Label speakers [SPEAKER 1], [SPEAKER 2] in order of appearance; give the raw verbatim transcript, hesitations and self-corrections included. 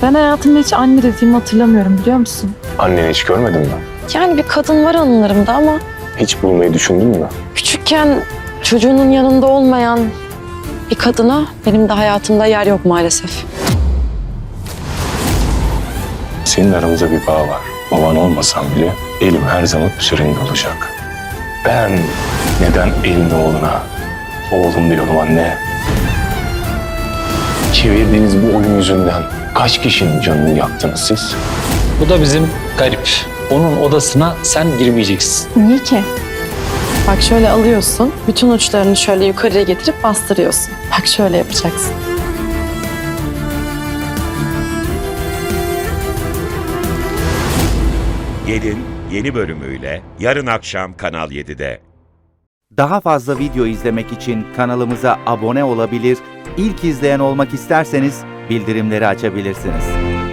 [SPEAKER 1] Ben hayatımda hiç anne dediğimi hatırlamıyorum, biliyor musun?
[SPEAKER 2] Anneni hiç görmedin mi?
[SPEAKER 1] Yani bir kadın var anılarımda ama
[SPEAKER 2] Hiç bulmayı düşündün mü?
[SPEAKER 1] küçükken çocuğunun yanında olmayan bir kadına benim de hayatımda yer yok maalesef.
[SPEAKER 2] Senin aramızda bir bağ var. Baban olmasan bile elim her zaman üzerinde olacak. Ben neden elin oğluna oğlum diyorum anne? Çevirdiğiniz bu oyun yüzünden kaç kişinin canını yaktınız siz?
[SPEAKER 3] Bu da bizim garip. Onun odasına sen girmeyeceksin.
[SPEAKER 1] Niye ki? Bak şöyle alıyorsun, bütün uçlarını şöyle yukarıya getirip bastırıyorsun. Bak şöyle yapacaksın.
[SPEAKER 4] Gelin yeni bölümüyle yarın akşam Kanal yedide.
[SPEAKER 5] Daha fazla video izlemek için kanalımıza abone olabilir, ilk izleyen olmak isterseniz bildirimleri açabilirsiniz.